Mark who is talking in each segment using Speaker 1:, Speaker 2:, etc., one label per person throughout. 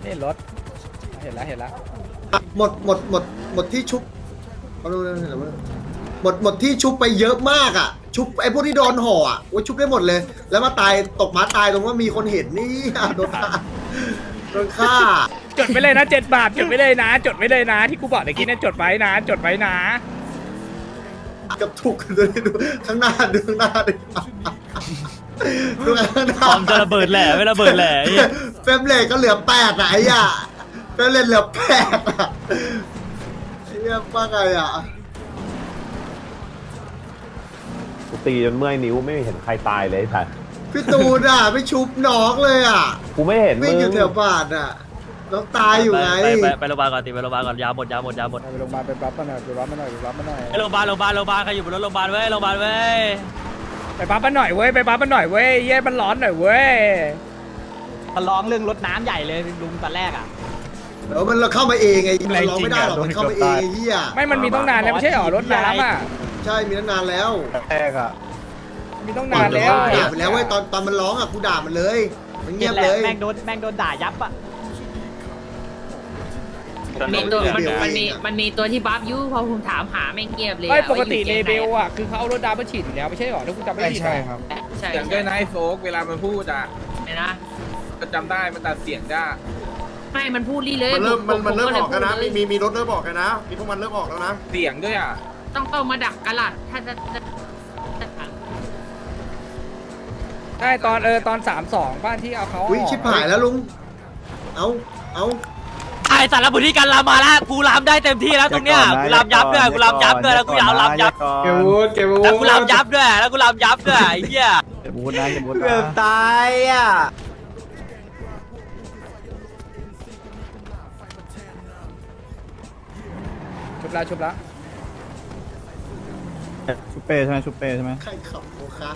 Speaker 1: นี่รถเห็นแล้ว
Speaker 2: หมดที่ชุบเขาดูนะหมดที่ชุบไปเยอะมากอ่ะชุบไอ้พวกที่โดนห่ออ่ะโอ้ยชุบได้หมดเลย แล้วมาตายตกม้าตายตรงว่ามีคนเห็นนี่โดนฆ่าโดนฆ่า
Speaker 1: จดไปเลยนะ7 บาทจดไปเลยนะ จดไปเลยนะ ที่กูบอกเมื่อกี้เนี่ยจดไว้นะ จดไว้นะ
Speaker 2: กับถูกกันเลยดูข้างหน้าดูข้างหน้าดิดูข้างหน้า
Speaker 3: คอมจะระเบิดแหละไม่ระเบิดแหละไอ้เหี้ย
Speaker 2: เฟรมเรทก็เหลือ8อ่ะไอ้ย่าเฟรมเรทเหลือ8อ่ะไอ้ย่าว่าไงอ่ะ
Speaker 4: กูตีจนเมื่อยนิ้วไม่เห็นใครตายเลยไอ้สัส
Speaker 2: พี่ตูนอ่ะไม่ชุบน้องเลยอ่ะ
Speaker 4: กูไม่เห็นมึ
Speaker 2: วิ่ง
Speaker 4: ง
Speaker 2: อยู่แถวบ้านอ่ะน้องตายอยู่ไง
Speaker 3: ไปโรงพยาบาลก่อนตีไปโรงพยาบาลก่อนยาหมด
Speaker 1: ไปโรงพยาบาลไปรับมาหน่อยไปรับมาหน่อยไปรับมาหน่อย
Speaker 3: ไปโรงพยาบาลใครอยู่บนรถโรงพยาบาลเว้ยโรงพยาบาลเว้ย
Speaker 1: ไปปั๊บมันหน่อยเว้ยไปปั๊บมันหน่อยเว้ยเย้มันร้อนหน่อยเว้ย
Speaker 5: มันร้องเรื่องรถน้ำใหญ่เลยลุงตอนแรกอ่ะ
Speaker 2: เดี๋ยวมันเราเข้ามาเองไงมันร้องไม่ได้หรอกมันเข้ามาเองไอ้เหี้ย
Speaker 1: ไม่มันมีต้องนานแล้วไม่ใช่หรอรถน้ำอ่ะ
Speaker 2: ใช่มีตั้งนานแล้ว
Speaker 4: แรกอะ
Speaker 1: มีต้องนานแล้ว
Speaker 2: ด่าไปแล้วเว้ยตอนมันร้องอ่ะกูด่ามันเลยมันเงียบเลย
Speaker 5: แม่งโดนด่ายับอ่ะ
Speaker 6: มีตัวมันมีตัวที่บัฟยูพอผมถามหาไม่เงียบเลย
Speaker 1: ไม่ปกติ
Speaker 6: ว่า
Speaker 1: เล
Speaker 6: อยู่
Speaker 1: เบ
Speaker 6: แก๊ง
Speaker 1: ล
Speaker 6: ไหน
Speaker 1: อ่ะคือเขาเอารถดาวมาฉีดอยู่แล้วไม่ใช่หรอถ้าคุณจำไม่ผิด
Speaker 7: ใช่ครับ
Speaker 6: ใช่
Speaker 7: อย่างด้วยนะไอ้โฟกเวลามันพูดอ่ะ
Speaker 6: ไหนนะ
Speaker 7: ก็จำได้มันตัดเสียงได้
Speaker 6: ไม่มันพูดรีเลย
Speaker 8: มันเริ่ม
Speaker 6: ผ
Speaker 8: มันเริ่มออกกันนะ
Speaker 6: พูดเลย
Speaker 8: มีรถเริ่มออกกันนะมีพวกมันเริ่มออกแล้วนะ
Speaker 7: เสียงด้วยอ่ะ
Speaker 6: ต้องมาดักกระหลัดถ้าจะ
Speaker 1: ใช่ตอน3-2บ้านที่เอาเขา
Speaker 2: อุ้ยชิบหายแล้วลุงเอา
Speaker 3: ไอ้สารบุรีกันลามมาแล้วกูลามได้เต็มที่แล้วตรงเนี้ยกูลามยับด้วยแล้วกูยาวลามยับ
Speaker 7: เก็บวูดเก็บวูด
Speaker 3: แล้วกูลามยับด้วยไอ้เหี้ย
Speaker 4: เก็บบูธนะเก็บบูธ
Speaker 5: เกือบ
Speaker 4: นะ
Speaker 5: ตายอ่ะ
Speaker 1: ชุบละ
Speaker 4: ชุบเป้ใช่ไหมชุบเป้ใช่ไหม
Speaker 2: ใครขับโอคะ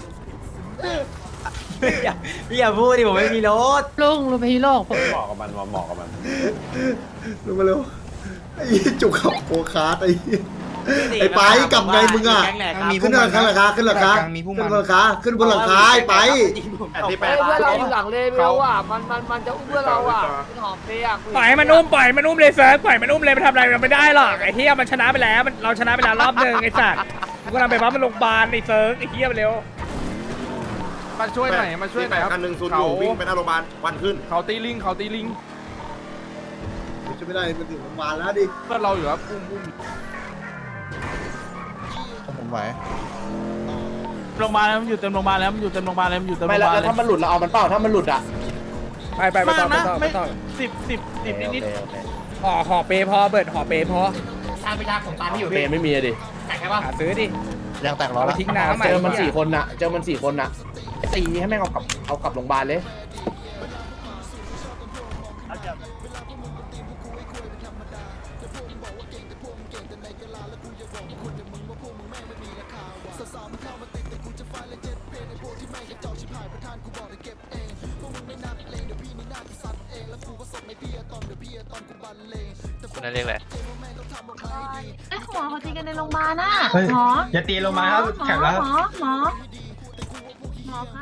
Speaker 5: พี่อย่าพูดดิผมไม่มีรถ
Speaker 6: ลุงไปที่โลก
Speaker 4: เหมาะกับมันเหมาะกับมัน
Speaker 2: ลุงมาเร็วไอ้จุกขับโอคาไอ้ไอ้ไปกลับไงมึงอ่ะขึ้นหลังคาขึ้นหลังคาขึ้นบนหลังคาไอ้ไป
Speaker 8: ที่แปด
Speaker 5: เพื่อนเราอยู่หลังเลเวลอ่ะมันจะอุ้มเพื่อนเราอ่ะหอมเปียก
Speaker 1: ปล่อยมันอุ้มเลยเซิร์ฟปล่อยมันอุ้มเลยมันทำอะไรมันไม่ได้หรอกไอ้เหี้ยมันชนะไปแล้วเราชนะไปแล้วรอบนึงไอ้สัตว์กูกำลังไปปั๊บมันโรงพยาบาลไอ้เซิร์ฟไอ้เหี้ยเร็ว
Speaker 7: มาช่วยหน่อยมาช่วยหน่อยครับ
Speaker 8: กันหนึ่งศูนย์อยู่วิ่งไปหน้าโรงพยาบาลควันขึ้น
Speaker 7: เขาตีลิง
Speaker 2: ช่วยไม่ได้มันถึงโรงพยาบาลแล้วดิ
Speaker 7: เพื่อนเราอยู่ครับอุ้ม
Speaker 4: ผมไหว
Speaker 3: โรงพยาบาลแล้วมันอยู่เต็มโรงพยาบาลแล้วไม่แล้วถ้ามัน
Speaker 1: ไปต่อ
Speaker 3: สิบนิด
Speaker 1: ห่อเปพอเบิร์ดห่อเปพอ
Speaker 5: ทางไปทางของตามที่อยู่
Speaker 3: เปไม่มีอะดิ
Speaker 5: แต่แค่ว่า
Speaker 1: หาซื้อดิ
Speaker 4: ยังแตกล้อ
Speaker 1: เอาไป
Speaker 4: ละ
Speaker 1: ทิ้งน้ำ
Speaker 3: เจอมัน4 คนน่ะตีให้แม่งเอากลับโรงพยาบาลเลยคุณนั่นเรียกอะไร
Speaker 6: ไอ้หมอเขาตีกันในโรงพยาบาลน่ะ
Speaker 7: เฮ้ย
Speaker 6: หมอ
Speaker 7: อย่าตีลงมาครับแข็งแล้วครับ
Speaker 6: หมอครับ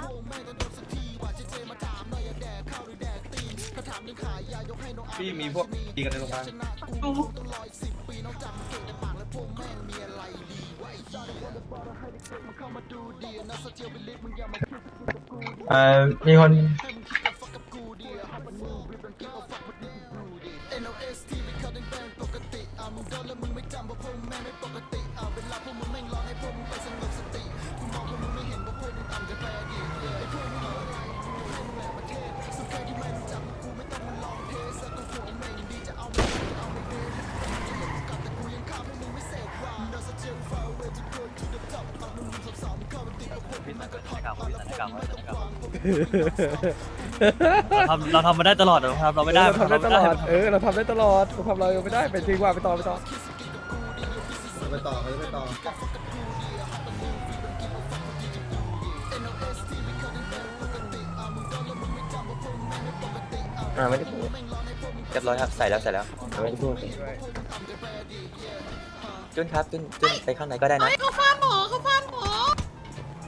Speaker 7: พี่มีพวกตีกันในโรงพยาบาล มีคน
Speaker 3: เราทำมาได้ตลอดเราทำเราไม่ได้
Speaker 1: เราทำได้ตลอดเราทำได้ตลอดเราทำเราไม่ได้ไปจริงว่าไปต่อ
Speaker 2: ไปต่อ
Speaker 3: ไม่ได้พูดเรียบร้อยครับใส่แล้วไม่ได้พูดจุนครับจุนไปข้างในก็ได้นะ
Speaker 6: เขาฟาดหมอเขาฟาดหมอ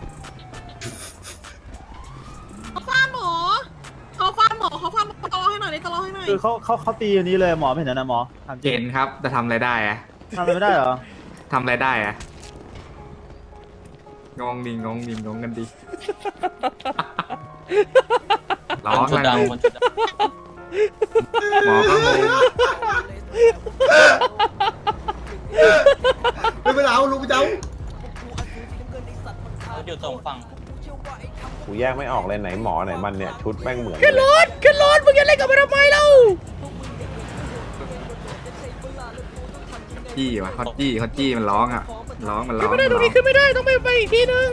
Speaker 6: เขาฟาดหมอต่อให้หน่อย
Speaker 9: อยก็ร้องให้หน่อย
Speaker 10: คือเขาตีอันนี้เลยหมอไม่เห็นนะหมอทำจริ
Speaker 5: เห็
Speaker 10: ง
Speaker 5: นครับแต่ทำอะไรได้อะ
Speaker 10: ทำอะไรไม่ได้เหรอ
Speaker 5: ทำอะไรได้อะงงดิงงกันดิร้องอะไรหมอก็งง
Speaker 2: ไม่เป็นไรเอาลุงไปเจ้า
Speaker 3: อยู่ตรงฝั่ง
Speaker 4: กูแยกไม่ออกเลยไหนหมอไหนมันเนี่ยชุดแม่งเหมือน
Speaker 1: ขึ้นรถมึงจะเล่นกับมันทำไมเล่า
Speaker 5: จี้วะเขาจี้มันร้องอ่ะมันร้อง
Speaker 1: ขึ้นไม่ได้ตรงนี้ขึ้นไม่ได้ต้องไปอีกที่นึง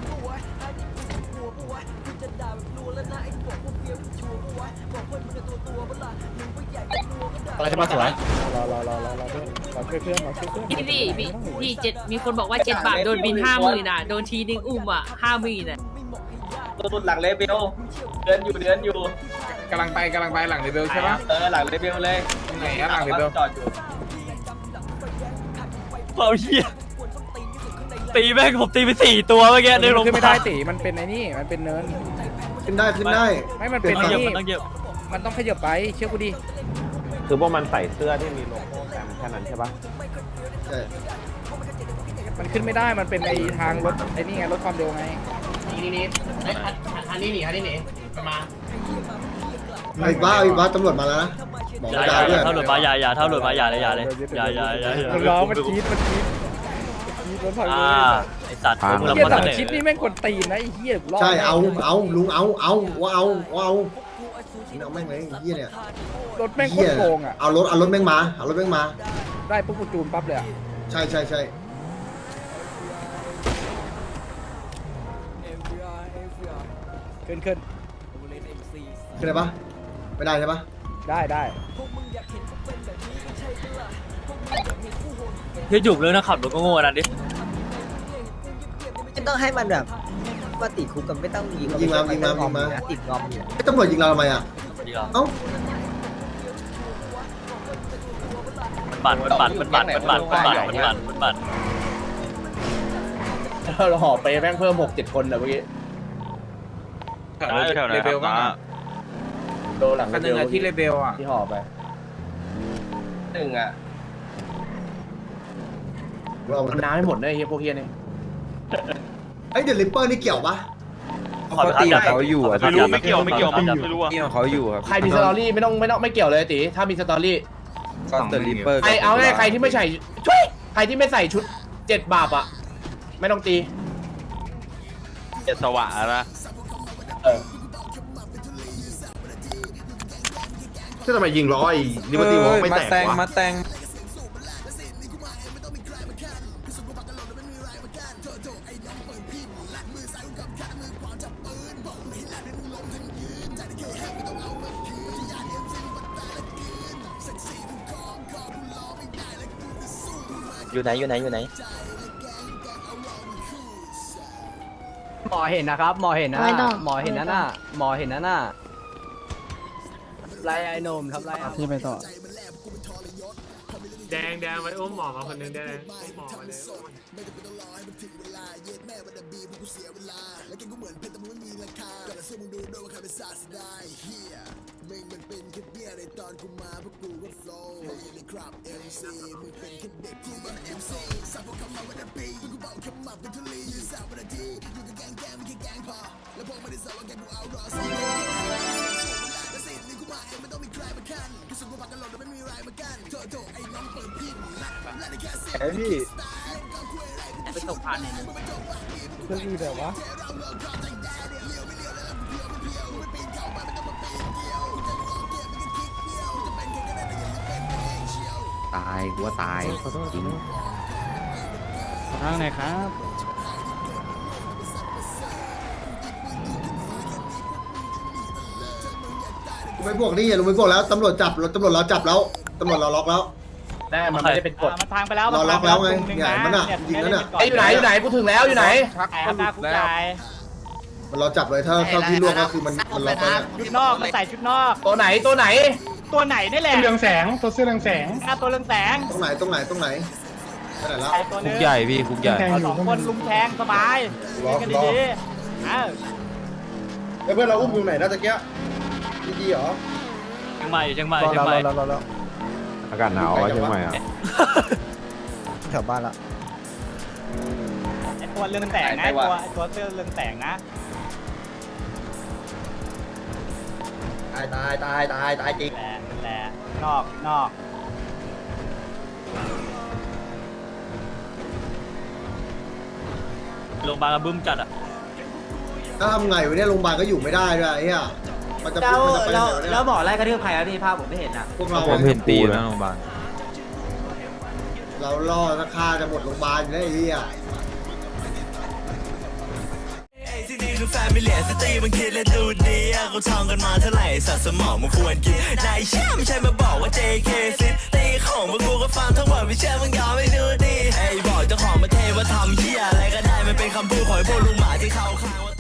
Speaker 7: อะไรจะมาสวย
Speaker 6: พี่เจ็ดมีคนบอกว่า7 บาทโดนบิน50,000อ่ะโดนทีนึงอุ้มอ่ะ50,000อ่ะ
Speaker 3: ตัวหลังเลเบลเดินอยู่
Speaker 7: กำลังไปหลังเลเวลใช่ปะ
Speaker 3: หลังเลเบลเลย
Speaker 7: ไหนอะหลังเลเวล
Speaker 3: จอดอยู่เราเหี้ยตีแม่งผมตีไป4 ตัวเมื่อกี้ในโรงพ
Speaker 1: ขึ้น
Speaker 3: ยา
Speaker 1: ไม่
Speaker 3: บา
Speaker 1: ได้
Speaker 3: ล
Speaker 1: ตีมันเป็นไอ้นี่มันเป็นเนิน
Speaker 2: ขึ้นได้
Speaker 1: ไม่มันเป็น
Speaker 3: มัน
Speaker 1: ไอ้
Speaker 3: เยอะ
Speaker 1: นี่
Speaker 3: มันต้องเยอะ
Speaker 1: มันต้องขยับไปเชื่อกูดิ
Speaker 4: คือพวกมันใส่เสื้อที่มีโลโก้แซมแค่นั้นใช่ปะ
Speaker 2: ใช่
Speaker 1: มันขึ้นไม่ได้มันเป็นไอ้ทางรถไอ้นี่ไงรถความเร็วไง
Speaker 7: อันนี้หนีมา
Speaker 2: อีกบ้าตำรวจมาแล้วนะบอก
Speaker 3: อย่า
Speaker 2: ดาวด้วย
Speaker 3: ถ้าหลุดมาอย่าถ้าหลุดมาอย่าเลยอย่าเลย
Speaker 1: มันร้องมันจี๊ดรถพังเลย
Speaker 3: ไอสัตว์มึง
Speaker 1: เฮีย
Speaker 3: ละ
Speaker 1: สั่ง
Speaker 3: เสน
Speaker 1: ชิดนี่แม่งกดตีนนะไอ้เฮียรอด
Speaker 2: ใช่เอาลุงเอาว่าเอาแม่งเลยเฮียเนี่ย
Speaker 1: รถแม่งโคตรโกงอ่ะ
Speaker 2: เอารถแม่งมา
Speaker 1: ได้ปุ๊บกูจูนปั๊บเลยอ่ะ
Speaker 2: ใช่
Speaker 1: ขึ้น
Speaker 2: คืออะไรปะไม่ได้ใช่ปะ
Speaker 1: ได้
Speaker 3: เฮ้ยจุกเลยนะขับรถก็โง่นั่นดิ
Speaker 9: ไม่ต้องให้มันแบบว่าติดคุกกันไม่ต้องยิง
Speaker 2: ยิงมา
Speaker 9: ติดงอมอยู่
Speaker 2: ไอ้ตำรวจยิงเราทำไมอ่ะเอ้า
Speaker 3: ปั่น
Speaker 7: เราห่อไปแม่งเพิ่ม 6-7 คนนะเมื่อกี้เลเวลบ้างโดนหลังเลเวลที่เลเวลอ่ะที่ห่อไป1อ่ะ
Speaker 2: เรา
Speaker 7: มันน้ำให้หมดเลยเฮียพวกเฮียนี่
Speaker 2: ไอ้เดลิปเปอร์นี่เกี่ยวปะ
Speaker 3: เขาตีเขาอยู่อ่ะ
Speaker 10: ไม่เกี่ยวไม่รู้อ่ะ
Speaker 7: เขาอยู่ครับใครมีสตอรี่ไม่เกี่ยวเลยตีถ้ามีสตอรี่ก็เตอร์ลิปเปอร์ใครเอาง่ายใครที่ไม่ใส่ใครที่ไม่ใส่ชุด7 บาทอ่ะไม่ต้องตี
Speaker 10: เจ็ดสว่างนะ
Speaker 8: ที่ทำไมยิงล้อไอ้ลิเบอร์ตี้วอล์กไม่แตกวะ
Speaker 7: มาแต่ง
Speaker 3: อยู่ไหน
Speaker 9: หมอเห็นนะครับหมอเห็นนะหมอเห็นนั่นน่ะไล่ไอ้นมครับไล่ที่ไปต่อ
Speaker 5: แดงไปอุ้มหมอมาคนนึงได้เลยหมอมาเลย
Speaker 3: ไปตกผ่านเนี่ย
Speaker 1: เรื่องนี้แบบว่า
Speaker 5: ตายกูว่าตายจริง
Speaker 9: ทางไหนครับ
Speaker 2: ไม่บวกนี่ลุงไม่บวกแล้วตำรวจเราจับแล้วตำรวจเราล็อกแล้ว
Speaker 7: แต่มันไม่ได้เป็นกฎ
Speaker 9: มันทางไปแล้ว
Speaker 2: เราล็อกแล้วไงเนี่ยมันน่ะยิงนั่นน่ะ
Speaker 7: อยู่ไหนกูถึงแล้วอยู่ไหน
Speaker 9: แอบตาคุกใจ
Speaker 2: มันเราจับเลยถ้าที่ล่วงก็คือมันล็อกแล้วเนี่ย
Speaker 9: ชุดนอกมันใส่ชุดนอก
Speaker 7: ตัวไหน
Speaker 9: ตัวไหนนี่แหละ
Speaker 7: เรืองแสงตัวเสื้อเรืองแสง
Speaker 9: ตัวเรืองแสง
Speaker 2: ตรงไหนไปไหนแล้ว
Speaker 9: ตัวนึงคุกใหญ่พี่คุกใหญ่2 คนลุมแทงสบายกันดีๆ
Speaker 8: เพื่อนเราอุ้มอยู่ไหนนะตะเกียดีเหรอ
Speaker 3: ชียงใหม่เชียงใหม่
Speaker 10: รอ
Speaker 3: เชียงใหม่
Speaker 10: แล้ว
Speaker 4: อากาศหนาวอะเชียงใหม่อ่ะ
Speaker 10: แถวบ้านละ
Speaker 9: ไอตัวเรื่องแตกนะตัวเสื้อเรื่องแตกนะ
Speaker 5: ตายจริง
Speaker 9: แหละนอก
Speaker 3: โรงพยาบาลกระบึ้มจัดอ่ะ
Speaker 2: ถ้าทำไงวะเนี่ยโรงพยาบาลก็อยู่ไม่ได้ด้วยไอ้เหี้ยมันจะ
Speaker 5: แล้ว
Speaker 2: มันจะไปไหนวะเนี่ย
Speaker 5: แล้วหมอไล่กระทืบใครอะพี่ภาพผมไม่เห็นอ่ะ
Speaker 2: พวกเรา
Speaker 4: ผมเห็นตีนะ
Speaker 2: เราล่อราคาจะหมดโรงพยาบาลอยู่แล้วไอ้เหี้ย
Speaker 11: ที่นี่คือแฟมิเลียสตรีมันคิดและดูดีเขาท่องกันมาเท่าไหร่สัตว์สมองมันควรกินนายเชื่อไม่ใช่มาบอกว่า JK ซิตีของพวกกูก็ฟังทั้งหมดไม่เชื่อมึงยอมไม่ดูดีไอ้บอกเจ้าของประเทศว่าทำเหี้ยอะไรก็ได้มันเป็นคำพูดของพวกลุงหมาที่เขาข้างว่า